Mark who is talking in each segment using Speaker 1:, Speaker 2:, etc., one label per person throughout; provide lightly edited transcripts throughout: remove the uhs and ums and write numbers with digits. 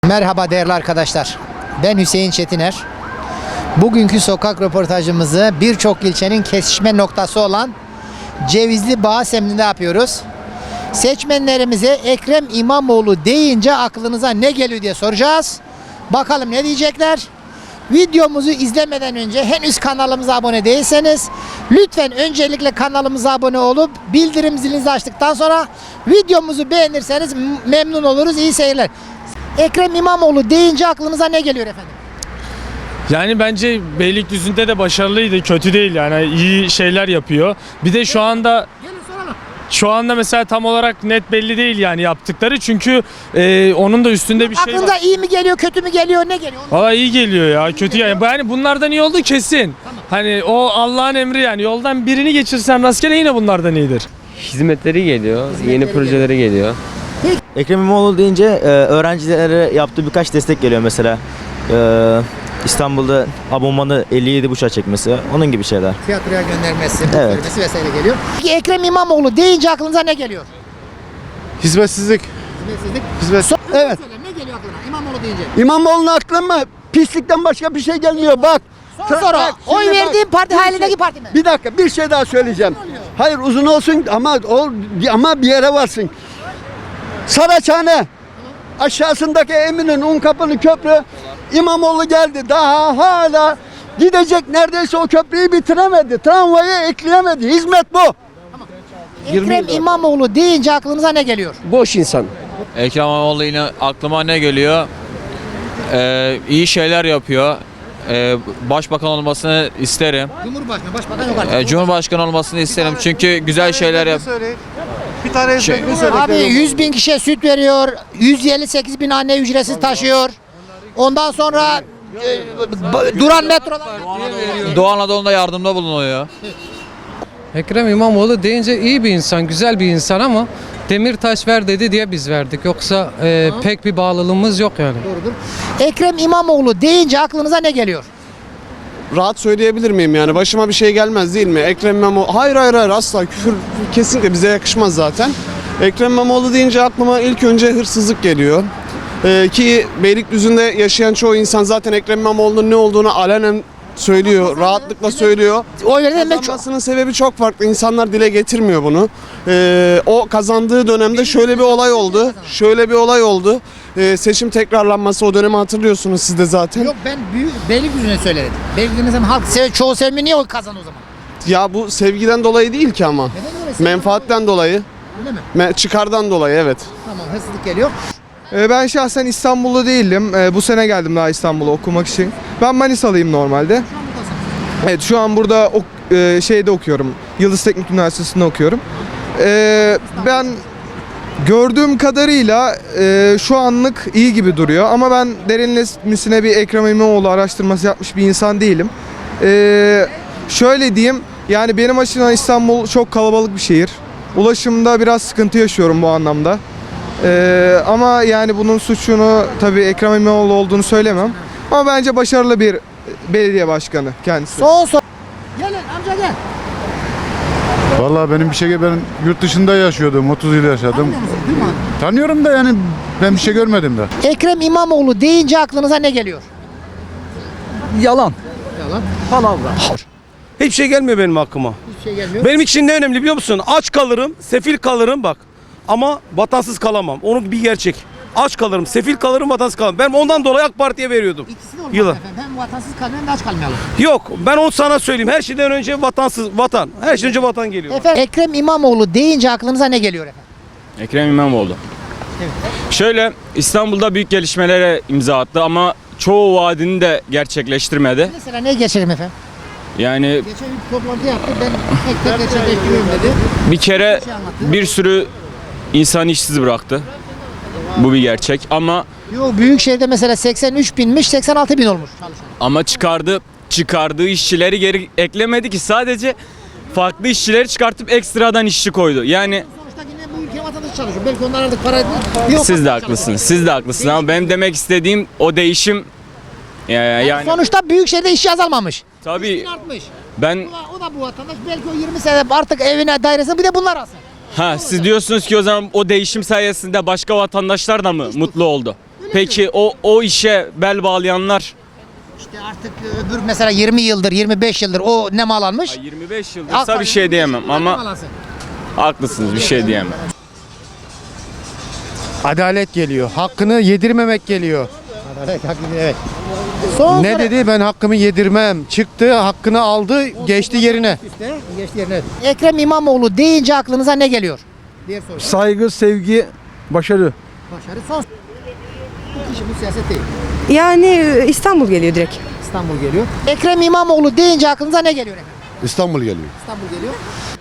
Speaker 1: Merhaba değerli arkadaşlar. Ben Hüseyin Çetiner. Bugünkü sokak röportajımızı birçok ilçenin kesişme noktası olan Cevizli Bağ semtinde yapıyoruz. Seçmenlerimize Ekrem İmamoğlu deyince aklınıza ne geliyor diye soracağız. Bakalım ne diyecekler? Videomuzu izlemeden önce henüz kanalımıza abone değilseniz lütfen öncelikle kanalımıza abone olup bildirim zilinizi açtıktan sonra videomuzu beğenirseniz memnun oluruz. İyi seyirler. Ekrem İmamoğlu deyince aklınıza ne geliyor efendim?
Speaker 2: Yani bence Beylikdüzü'nde de başarılıydı, kötü değil yani iyi şeyler yapıyor. Bir de şu anda mesela tam olarak net belli değil yani yaptıkları çünkü onun da üstünde bir şey
Speaker 1: Aklınıza
Speaker 2: var.
Speaker 1: iyi mi geliyor, kötü mü geliyor, ne geliyor?
Speaker 2: Valla iyi geliyor ya, kötü yani bunlardan iyi oldu kesin.
Speaker 1: Tamam.
Speaker 2: Hani o Allah'ın emri yani yoldan birini geçirsen rastgele yine bunlardan iyidir.
Speaker 3: Hizmetleri geliyor, yeni projeleri geliyor.
Speaker 4: Ekrem İmamoğlu deyince öğrencilere yaptığı birkaç destek geliyor mesela. İstanbul'da abonmanı 57,5'a çekmesi, onun gibi şeyler.
Speaker 1: Tiyatroya göndermesi,
Speaker 4: Evet.
Speaker 1: vermesi vesaire geliyor. Peki Ekrem İmamoğlu deyince aklınıza ne geliyor?
Speaker 5: Hizmetsizlik.
Speaker 1: Hizmet.
Speaker 5: Evet.
Speaker 1: Söyle, ne geliyor aklına İmamoğlu deyince?
Speaker 5: İmamoğlu'nun aklıma pislikten başka bir şey gelmiyor. Bak.
Speaker 1: Son soru.
Speaker 5: Bak,
Speaker 1: Oy
Speaker 5: şimdi
Speaker 1: verdiğin
Speaker 5: bak,
Speaker 1: parti
Speaker 5: bir
Speaker 1: halindeki
Speaker 5: şey-
Speaker 1: parti mi?
Speaker 5: Bir dakika bir şey daha söyleyeceğim. Hayır uzun olsun ama bir yere varsın. Saraçhane aşağısındaki Eminönü Unkapanı köprü İmamoğlu geldi. Daha hala gidecek neredeyse o köprüyü bitiremedi. Tramvayı ekleyemedi. Hizmet bu.
Speaker 1: Ekrem İmamoğlu deyince aklınıza ne geliyor?
Speaker 5: Boş insan.
Speaker 6: Ekrem İmamoğlu yine aklıma ne geliyor? İyi şeyler yapıyor. Başbakan olmasını isterim.
Speaker 1: Cumhurbaşkanı, başbakan yok artık.
Speaker 6: Cumhurbaşkanı olmasını isterim çünkü güzel şeyler yap.
Speaker 5: Bir tane
Speaker 1: Abi 100 bin kişiye süt veriyor, 158 bin anne ücretsiz taşıyor. Ondan sonra duran metrolar.
Speaker 6: Doğu Anadolu'da yardımda bulunuyor.
Speaker 7: Ekrem İmamoğlu deyince iyi bir insan, güzel bir insan ama Demirtaş ver dedi diye biz verdik. Yoksa pek bir bağlılığımız yok yani.
Speaker 1: Doğrudur. Ekrem İmamoğlu deyince aklınıza ne geliyor?
Speaker 8: Rahat söyleyebilir miyim yani? Başıma bir şey gelmez değil mi? Ekrem İmamoğlu... Hayır asla küfür kesinlikle bize yakışmaz zaten. Ekrem İmamoğlu deyince aklıma ilk önce hırsızlık geliyor. Ki Beylikdüzü'nde yaşayan çoğu insan zaten Ekrem İmamoğlu'nun ne olduğunu alenen söylüyor, rahatlıkla söylüyor.
Speaker 1: Oy verdi demek çok.
Speaker 8: Kazanmasının sebebi çok farklı. İnsanlar dile getirmiyor bunu. O kazandığı dönemde şöyle bir olay oldu. Seçim tekrarlanması o dönemi hatırlıyorsunuz siz de zaten.
Speaker 1: Yok ben Beylikdüzü'ne söyledim. Beylikdüzü'ne halk çoğu sevmiyor, niye o kazandı o zaman?
Speaker 8: Ya bu sevgiden dolayı değil ki ama.
Speaker 1: Neden öyle?
Speaker 8: Menfaatten dolayı.
Speaker 1: Öyle mi?
Speaker 8: Çıkardan dolayı evet.
Speaker 1: Tamam, hırsızlık geliyor.
Speaker 9: Ben şahsen İstanbullu değilim. Bu sene geldim daha İstanbul'a okumak için. Ben Manisalıyım normalde. Evet, şu an burada şeyde okuyorum. Yıldız Teknik Üniversitesi'nde okuyorum. Ben gördüğüm kadarıyla şu anlık iyi gibi duruyor. Ama ben derinlemesine bir Ekrem İmamoğlu araştırması yapmış bir insan değilim. Şöyle diyeyim, yani benim açımdan İstanbul çok kalabalık bir şehir. Ulaşımda biraz sıkıntı yaşıyorum bu anlamda. Ama yani bunun suçunu tabii Ekrem İmamoğlu olduğunu söylemem. Ama bence başarılı bir belediye başkanı kendisi.
Speaker 1: Son soru. Gelin amca gel.
Speaker 10: Vallahi ben yurt dışında yaşıyordum, 30 yıl yaşadım. Tanıyorum da yani ben bir şey görmedim de.
Speaker 1: Ekrem İmamoğlu deyince aklınıza ne geliyor?
Speaker 5: Yalan.
Speaker 1: Palavra.
Speaker 11: Hiçbir şey gelmiyor benim aklıma.
Speaker 1: Hiçbir şey gelmiyor.
Speaker 11: Benim için ne önemli biliyor musun? Aç kalırım, sefil kalırım bak. Ama vatansız kalamam. Onun bir gerçek. Aç kalırım, sefil kalırım, vatansız kalamam. Ben ondan dolayı AK Parti'ye veriyordum.
Speaker 1: İkisi de olmaz
Speaker 11: Yılan.
Speaker 1: efendim. Hem vatansız kalmayalım hem de aç kalmayalım.
Speaker 11: Yok, ben onu sana söyleyeyim. Her şeyden önce vatan. Her şeyden önce vatan geliyor.
Speaker 1: Efendim Ekrem İmamoğlu deyince aklınıza ne geliyor efendim?
Speaker 2: Ekrem İmamoğlu. Şöyle İstanbul'da büyük gelişmelere imza attı ama çoğu vaadini de gerçekleştirmedi.
Speaker 1: Mesela ne geçelim efendim?
Speaker 2: Yani
Speaker 1: Geçen bir toplantı yaptı. Ben tek gerçekleştiriyorum dedi.
Speaker 2: bir kere bir sürü insan işsiz bıraktı. Bu bir gerçek ama
Speaker 1: Büyükşehir'de mesela 83 binmiş, 86 bin olmuş çalışan.
Speaker 2: çıkardığı işçileri geri eklemedi ki, sadece farklı işçileri çıkartıp ekstradan işçi koydu. Yani
Speaker 1: Sonuçta yine bu ülke vatandaşı çalışıyor. Belki onlar artık para yok.
Speaker 2: siz de haklısınız ama benim demek istediğim o değişim yani
Speaker 1: Sonuçta Büyükşehir'de işçi azalmamış.
Speaker 2: tabii
Speaker 1: İşçi artmış.
Speaker 2: ben
Speaker 1: O da bu vatandaş. Belki o 20 sene artık evine, dairesine bir de bunlar alsın.
Speaker 2: siz diyorsunuz ki o zaman o değişim sayesinde başka vatandaşlar da mı mutlu oldu?
Speaker 1: Öyle
Speaker 12: Peki o işe bel bağlayanlar?
Speaker 1: İşte artık öbür mesela 20 yıldır, 25 yıldır o ne mal almış?
Speaker 12: 25 yıldırsa bir şey diyemem ama haklısınız, bir şey diyemem.
Speaker 13: Adalet geliyor. Hakkını yedirmemek geliyor.
Speaker 1: Evet. Son
Speaker 13: Ne
Speaker 1: soru.
Speaker 13: dedi? Ben hakkımı yedirmem. Çıktı, hakkını aldı, geçti yerine.
Speaker 1: Geçti yerine. Ekrem İmamoğlu deyince aklınıza ne geliyor? Diye soruyor.
Speaker 5: Saygı, sevgi, başarı.
Speaker 1: Başarı son. Bu kişi bu siyaset değil.
Speaker 14: Yani İstanbul geliyor direkt.
Speaker 1: İstanbul geliyor. Ekrem İmamoğlu deyince aklınıza ne geliyor efendim?
Speaker 10: İstanbul geliyor.
Speaker 1: İstanbul geliyor.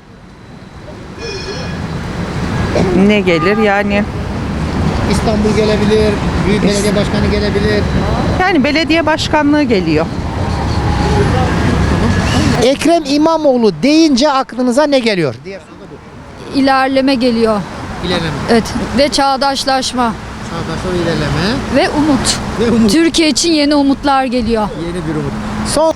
Speaker 14: Ne gelir yani?
Speaker 1: İstanbul gelebilir, Büyük Belediye Başkanı gelebilir.
Speaker 14: Yani belediye başkanlığı geliyor.
Speaker 1: Ekrem İmamoğlu deyince aklınıza ne geliyor? Diğer soru da bu.
Speaker 15: İlerleme geliyor.
Speaker 1: İlerleme.
Speaker 15: Evet. Ve çağdaşlaşma.
Speaker 1: Çağdaşlar ilerleme.
Speaker 15: Ve umut.
Speaker 1: Ve umut.
Speaker 15: Türkiye için yeni umutlar geliyor.
Speaker 1: Yeni bir umut. Son.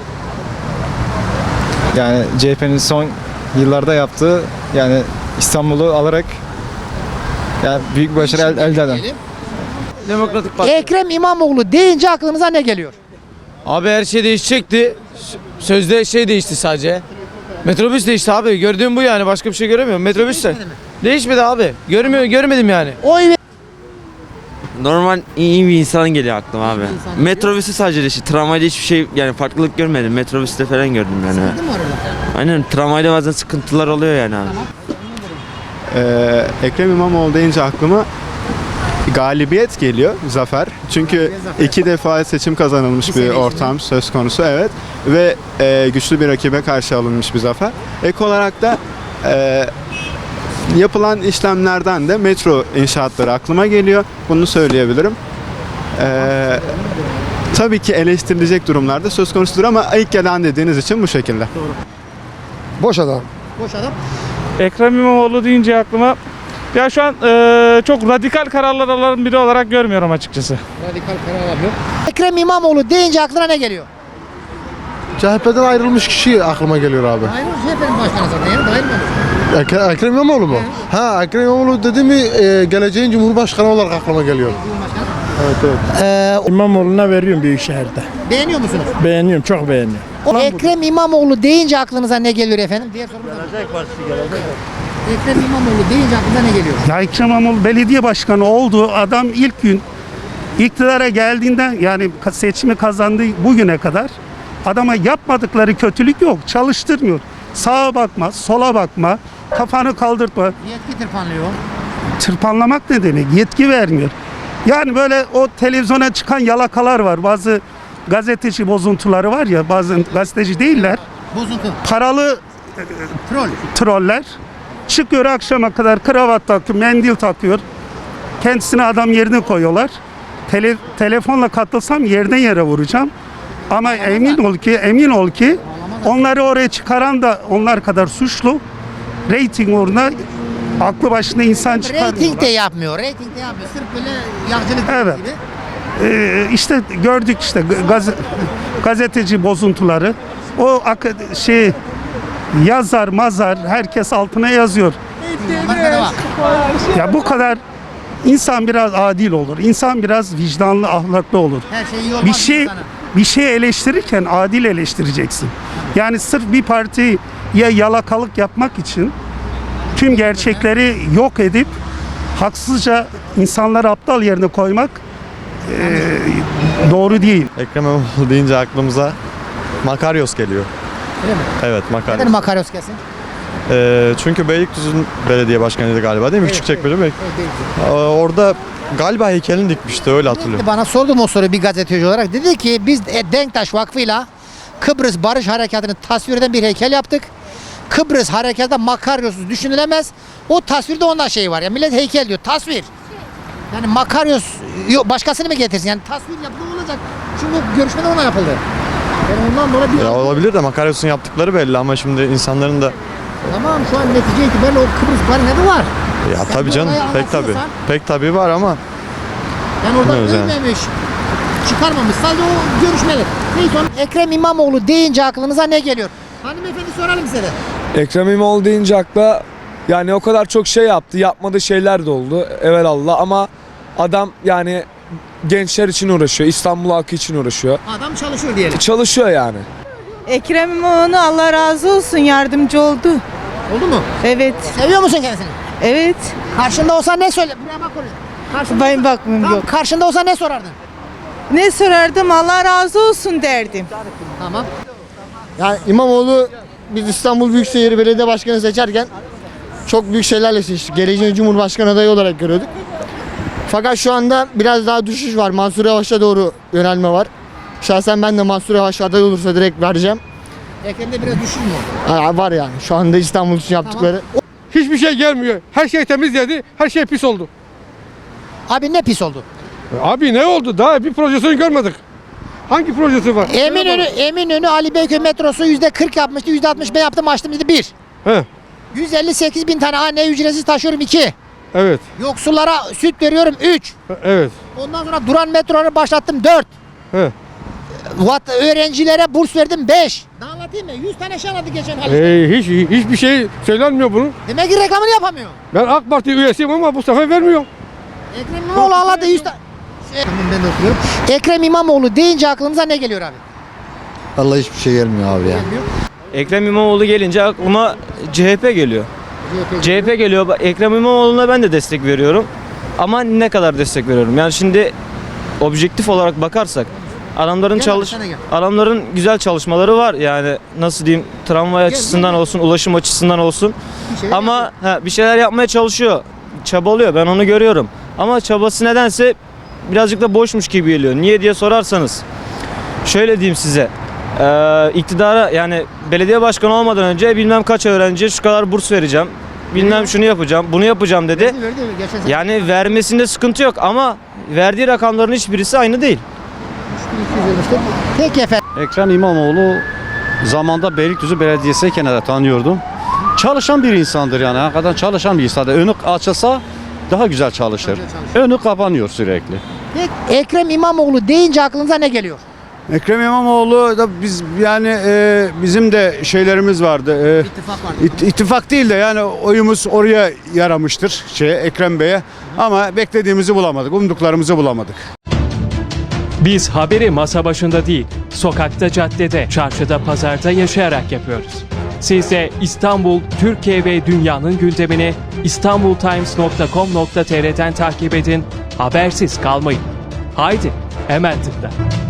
Speaker 13: Yani CHP'nin son yıllarda yaptığı yani İstanbul'u alarak yani büyük bir başarı elde eden.
Speaker 11: Demokratik Parti.
Speaker 1: Ekrem İmamoğlu deyince aklınıza ne geliyor?
Speaker 11: Abi her şey değişecekti. Sözde şey değişti sadece. Metrobüs değişti abi. Gördüğüm bu yani. Başka bir şey göremiyorum. Metrobüs de. Değişmedi abi. Görmedim yani.
Speaker 1: Oy ve
Speaker 3: Normal iyi bir insan geliyor aklıma abi.
Speaker 1: insan
Speaker 3: Metrobüsü sadece değişti. Tramvayda hiçbir şey yani farklılık görmedim. Metrobüste falan gördüm yani.
Speaker 1: değil mi orada?
Speaker 3: Aynen tramvayda bazen sıkıntılar oluyor yani abi.
Speaker 8: Ekrem İmamoğlu deyince aklıma galibiyet geliyor, zafer. Çünkü iki defa seçim kazanılmış bir ortam söz konusu, evet. Ve güçlü bir rakibe karşı alınmış bir zafer. Ek olarak da yapılan işlemlerden de metro inşaatları aklıma geliyor. Bunu söyleyebilirim. Tabii ki eleştirilecek durumlarda söz konusudur ama ilk gelen dediğiniz için bu şekilde.
Speaker 13: Boş adam.
Speaker 1: Boş adam.
Speaker 2: Ekrem İmamoğlu deyince aklıma ya şu an çok radikal kararlar alan biri olarak görmüyorum açıkçası.
Speaker 1: Radikal karar alıyor. Ekrem İmamoğlu deyince aklına ne geliyor?
Speaker 13: CHP'den ayrılmış kişi aklıma geliyor abi.
Speaker 1: Hayır, CHP'nin başkanı zaten ya. Dahil mi?
Speaker 13: Ekrem İmamoğlu mu? Ha, Ekrem İmamoğlu dedi mi geleceğin Cumhurbaşkanı olarak aklıma geliyor.
Speaker 10: İmamoğlu'na veriyorum Büyükşehir'de.
Speaker 1: Beğeniyor musunuz?
Speaker 10: Beğeniyorum, çok beğeniyorum.
Speaker 1: Ekrem İmamoğlu deyince aklınıza ne geliyor efendim? Diğer sorumuz Ekrem İmamoğlu deyince aklınıza ne geliyor?
Speaker 10: Ya Ekrem İmamoğlu belediye başkanı olduğu adam ilk gün iktidara geldiğinden yani seçimi kazandığı bugüne kadar adama yapmadıkları kötülük yok. Çalıştırmıyor. Sağa bakma, sola bakma, kafanı kaldırtma.
Speaker 1: Yetki tırpanlıyor.
Speaker 10: Tırpanlamak ne demek? Yetki vermiyor. Yani böyle o televizyona çıkan yalakalar var. Bazı gazeteci bozuntuları var ya, bazen gazeteci değiller.
Speaker 1: Bozuntu.
Speaker 10: Paralı
Speaker 1: Troll.
Speaker 10: troller çıkıyor akşama kadar kravat takıyor, mendil takıyor. Kendisine adam yerine koyuyorlar. Telefonla katılsam yerden yere vuracağım. Ama emin ol ki onları oraya çıkaran da onlar kadar suçlu. Rating uğruna aklı başında insan çıkarmıyorlar.
Speaker 1: Rating de yapmıyor. Rating de yapmıyor. Sırf böyle yağcılık
Speaker 10: Evet.
Speaker 1: gibi.
Speaker 10: İşte gördük işte gazeteci bozuntuları. O yazar mazar herkes altına yazıyor.
Speaker 1: Markada bak.
Speaker 10: Ya bu kadar insan biraz adil olur. İnsan biraz vicdanlı, ahlaklı olur.
Speaker 1: Her şey iyi olmaz insana.
Speaker 10: Bir şey eleştirirken adil eleştireceksin. Yani sırf bir partiye yalakalık yapmak için tüm gerçekleri yok edip haksızca insanları aptal yerine koymak doğru değil.
Speaker 13: Ekrem İmamoğlu deyince aklımıza Makaryos geliyor.
Speaker 1: Öyle mi?
Speaker 13: Evet, Makaryos.
Speaker 1: Neden Makaryos gelsin?
Speaker 13: Çünkü Beylikdüzü'nün belediye başkanıydı galiba değil mi? Küçükçekmece mi?
Speaker 1: Evet, değil.
Speaker 13: Orada galiba heykelini dikmişti, öyle hatırlıyorum.
Speaker 1: Bana sordum o soruyu bir gazeteci olarak. Dedi ki biz Denktaş Vakfı'yla Kıbrıs Barış Harekatı'nı tasvir eden bir heykel yaptık. Kıbrıs Harekatı'da Makaryos'uz düşünülemez. O tasvirde ondan şey var ya. Millet heykel diyor. Tasvir. Yani Makaryos başkasını mı getirsin? Yani tasvir yapılı olacak. Çünkü görüşmede ona yapıldı. Yani ondan dolayı bir...
Speaker 13: Olabilir de Makaryos'un yaptıkları belli ama şimdi insanların da...
Speaker 1: Tamam şu an netice itibariyle o Kıbrıs Barış'ı var.
Speaker 13: Ya
Speaker 1: Sen
Speaker 13: tabii
Speaker 1: bu
Speaker 13: canım,
Speaker 1: olayı
Speaker 13: pek tabii.
Speaker 1: anlatıyorsan,
Speaker 13: Pek tabii var ama...
Speaker 1: Yani orada
Speaker 13: Bilmiyoruz yani.
Speaker 1: ölmemiş, çıkarmamış. Sadece o görüşmeler. Neyse Ekrem İmamoğlu deyince aklınıza ne geliyor? Hanımefendi soralım size de.
Speaker 12: Ekrem İmamoğlu deyince akla yani o kadar çok şey yaptı. Yapmadığı şeyler de oldu. Evelallah ama adam yani
Speaker 8: gençler için uğraşıyor. İstanbul halkı için uğraşıyor.
Speaker 1: Adam çalışıyor diyelim.
Speaker 8: Çalışıyor yani.
Speaker 14: Ekrem İmamoğlu Allah razı olsun yardımcı oldu.
Speaker 1: Oldu mu?
Speaker 14: Evet.
Speaker 1: Seviyor musun kendisini?
Speaker 14: Evet.
Speaker 1: Karşında olsa ne söyle? Buraya bak oraya. Karşında
Speaker 14: Ben
Speaker 1: olsa-
Speaker 14: bakmıyorum
Speaker 1: Tamam,
Speaker 14: yok.
Speaker 1: Karşında olsa ne sorardın?
Speaker 14: Ne sorardım Allah razı olsun derdim.
Speaker 1: Tamam.
Speaker 5: Yani İmamoğlu biz İstanbul Büyükşehir Belediye Başkanı seçerken çok büyük şeylerle seçtik. Geleceğin Cumhurbaşkanı adayı olarak görüyorduk. Fakat şu anda biraz daha düşüş var. Mansur Yavaş'a doğru yönelme var. Şahsen ben de Mansur Yavaş aday olursa direkt vereceğim.
Speaker 1: Ekrem'de biraz düşün mü?
Speaker 5: Var yani şu anda İstanbul için yaptıkları.
Speaker 9: Hiçbir şey gelmiyor. Her şey temiz geldi. Her şey pis oldu.
Speaker 1: Abi ne pis oldu?
Speaker 9: Abi ne oldu? Daha bir projesini görmedik. Hangi projesi var?
Speaker 1: Eminönü Ali Beyköy metrosu %40 yapmıştı. %60 ben yaptım açtım dedi 1.
Speaker 9: He.
Speaker 1: 158 bin tane anneye ücretsiz taşıyorum 2.
Speaker 9: Evet.
Speaker 1: Yoksullara süt veriyorum 3.
Speaker 9: Evet.
Speaker 1: Ondan sonra duran metroları başlattım 4.
Speaker 9: He.
Speaker 1: Öğrencilere burs verdim 5. Daha anlatayım mı? 100 tane şey anlattı geçen hafta.
Speaker 9: Hiçbir şey söylenmiyor bunun.
Speaker 1: Demek ki reklamını yapamıyor.
Speaker 9: Ben AK Parti üyesiyim ama bu sefer vermiyor.
Speaker 1: Ekrem İmamoğlu anlattı 100 tane. Ben de okuyorum. Ekrem İmamoğlu deyince aklınıza ne geliyor abi?
Speaker 5: Vallahi hiçbir şey gelmiyor abi ya.
Speaker 4: Ekrem İmamoğlu gelince aklıma CHP geliyor. CHP geliyor. Ekrem İmamoğlu'na ben de destek veriyorum. Ama ne kadar destek veriyorum? Yani şimdi objektif olarak bakarsak adamların güzel çalışmaları var. Yani nasıl diyeyim, tramvay açısından olsun, ulaşım açısından olsun. Ama bir şeyler yapmaya çalışıyor. Çabalıyor. Ben onu görüyorum. Ama çabası nedense birazcık da boşmuş gibi geliyor. Niye diye sorarsanız şöyle diyeyim size. İktidara, yani belediye başkanı olmadan önce bilmem kaç öğrenciye şu kadar burs vereceğim. Bilmem şunu yapacağım, bunu yapacağım dedi. Yani vermesinde sıkıntı yok ama verdiği rakamların hiçbirisi aynı değil.
Speaker 1: Peki efendim.
Speaker 5: Ekrem İmamoğlu zamanda Beylikdüzü Belediyesi'yken de tanıyordum. Çalışan bir insandır yani. Hakikaten çalışan bir insandır. Önü açılsa daha güzel çalışır. Önü kapanıyor sürekli.
Speaker 1: Peki, Ekrem İmamoğlu deyince aklınıza ne geliyor?
Speaker 8: Ekrem İmamoğlu da biz yani bizim de şeylerimiz vardı.
Speaker 1: İttifak var.
Speaker 8: İttifak değil de yani oyumuz oraya yaramıştır Ekrem Bey'e. Ama beklediğimizi bulamadık, umduklarımızı bulamadık.
Speaker 2: Biz haberi masa başında değil, sokakta, caddede, çarşıda, pazarda yaşayarak yapıyoruz. Siz de İstanbul, Türkiye ve dünyanın gündemini istanbultimes.com.tr'den takip edin, habersiz kalmayın. Haydi, hemen tıkla.